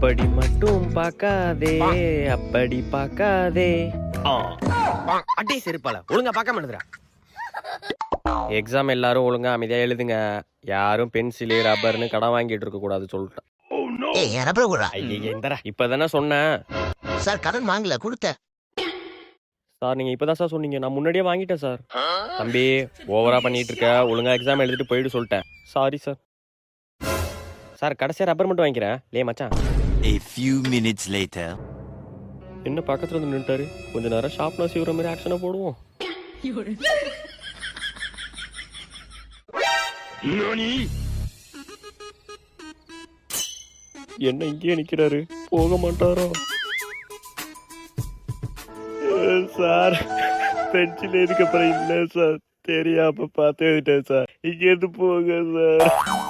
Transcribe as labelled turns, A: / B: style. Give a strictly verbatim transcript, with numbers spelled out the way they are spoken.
A: அப்படி மட்டும் பார்க்காதே, அப்படி பார்க்காதே.
B: அட்டே செருப்பால ஒழுங்கா பார்க்காம எழுதுறா.
A: எக்ஸாம் எல்லாரும் ஒழுங்கா அமைதியா எழுதுங்க. யாரும் பென்சிலு ரப்பர்னு கடன் வாங்கிட்டு இருக்க கூடாது சொல்லிட்டேன்.
C: ஏய் என் ரப்பர் கூட
A: ஐயா இந்தரா இப்பதானே சொன்னேன்
C: சார். கடன் வாங்கல கொடுத்தேன்
A: சார். நீங்க இப்பதான் சார் சொன்னீங்க, நான் முன்னாடியே வாங்கிட்டேன் சார். தம்பி ஓவரா பண்ணிட்டு இருக்க, ஒழுங்கா எக்ஸாம் எழுதிட்டு போயிட்டு சொல்லிட்டேன். Sorry sir. சார் கடைசியா ரப்பர் மட்டும் வாங்கிக்கிறேன். லே மச்சான்.
D: A few minutes later.
A: என்ன பக்கத்துல வந்து நின்னுட்டாரு, கொஞ்ச நேரம் ஷாப்ல சீவுற மாதிரி ஆக்ஷனை போடுவோம். என்ன இங்கேயே நிக்கிறாரு, போக மாட்டாரோ? சார் பென்சில் எதுக்கு அப்புறம் இல்லை சார், தெரியாம பார்த்து எழுதிட்டேன் சார். இங்க இருந்து போங்க சார்.